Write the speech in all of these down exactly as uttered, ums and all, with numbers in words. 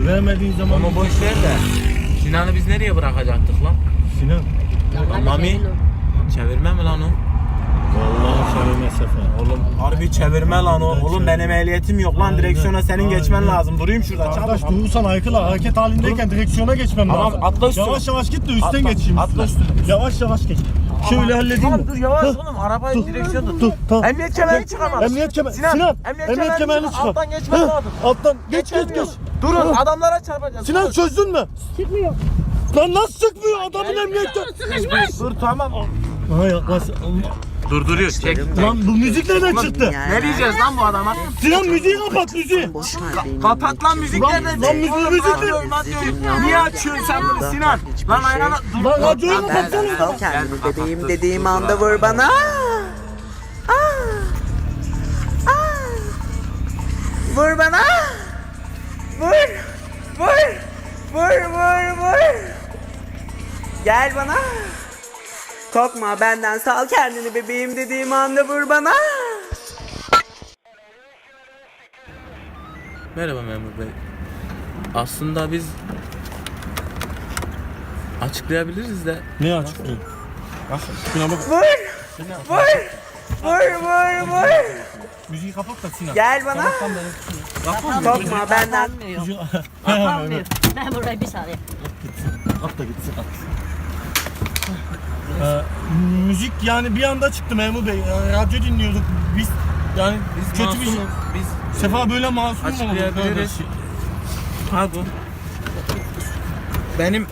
Vermediğin zaman... Onu boş ver de. Sinan'ı biz nereye bırakacaktık lan? Sinan. Lan Mami. Çevirme mi lan o? Vallahi çevirme Sefa. Oğlum harbi çevirme lan o. Oğlum benim ehliyetim yok lan. Direksiyona senin geçmen lazım. Durayım şurada. Arkadaş durursan aykırı hareket halindeyken direksiyona geçmem Tamam, lazım. atla üstüne. Yavaş yavaş git de üstten Atla, geçeyim. atla üstüne. Yavaş yavaş geç. Şöyle halledeyim Tamam mi? dur yavaş Hı. oğlum. Arabayı Dur, direksiyonu dur, tamam. Emniyet kemerini çıkamaz. Emniyet kemer. Sinan, Sinan. emniyet Emniyet kemerini kemerini çıkar. çıkar. Alttan geçmen Hı. lazım. Alttan geç geç geç. Geçemiyor. Durun Hı. adamlara çarpacağız. Sinan Durun. çözdün mü? Çıkmıyor. Lan nasıl sıkmıyor adamın emniyette? Sıkışmış. Dur tamam. Ha yaklaş. Durduruyor. Çek. Lan bu müzik nereden çıktı? Ne diyeceğiz lan bu adama? Sinan müziği kapat müziği. Kapat lan müzik Lan- nerede? lan müziği, Oğlum, müzik radyoyu, ne? radyoyu. Niye açıyorsun sen bunu Sinan? Lan ayağına dur. Lan radyoyu kapatsana. Sal kendini bebeğim dediğim anda vur bana. Aa! Aa! Vur bana. Vur. Vur. Vur vur vur. Gel bana. Korkma benden, sal kendini bebeğim dediğim anda vur bana. Merhaba memur bey. Aslında biz açıklayabiliriz de. Ne açıklıyor? Bak şuna bak. Vur. Vur. Vur vur vur. Müziği kapat da Sinan. Gel bana. Korkma benden. Müziği... Kapanmıyor. Ben burayı bir saniye. At da gitsin at. Ee, müzik yani bir anda çıktı memur bey. Yani radyo dinliyorduk biz. Yani Biz kötü bir şey. masumuz, Biz Sefa böyle masum mu olur? açıklayabiliriz. Böyle şey. Pardon. Benim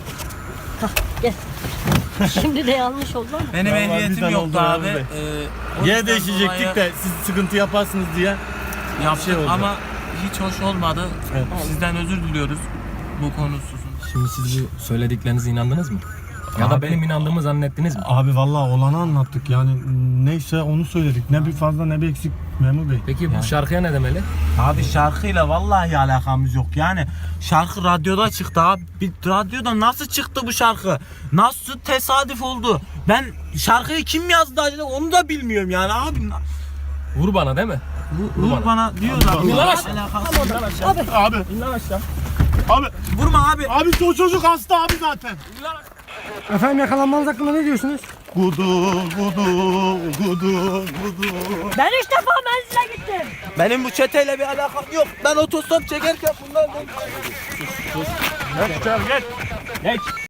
Şimdi de yanlış oldu ama. benim Vallahi ehliyetim bizden yoktu oldu abi. memur bey. Ee, o Yine yüzden değişecektik dolayı de siz sıkıntı yaparsınız diye. yaptık şey oldu. ama hiç hoş olmadı. Evet. Sizden özür diliyoruz bu konu hususunda. Şimdi siz bu söylediklerinize inandınız mı? Ya Abi- da benim inandığımı zannettiniz mi? Abi vallahi olanı anlattık yani neyse onu söyledik. Ne bir fazla ne bir eksik memur bey. Peki bu şarkıya ne demeli? Abi şarkıyla vallahi alakamız yok. Yani şarkı radyoda çıktı abi. Bir radyoda nasıl çıktı bu şarkı? Nasıl tesadüf oldu? Ben şarkıyı kim yazdı acaba onu da bilmiyorum yani abi. Vur bana değil mi? Vur, vur bana diyorlar. Abi, Vurma Abi. Abi. Abi. Vurma abi. Abi o çocuk hasta abi zaten. Efendim yakalanmanız hakkında ne diyorsunuz? Gudu gudu gudu gudu. Ben üç defa menzile gittim. Benim bu çeteyle bir alakam yok. Ben otostop çekerken bunlar... Geç geç. Geç.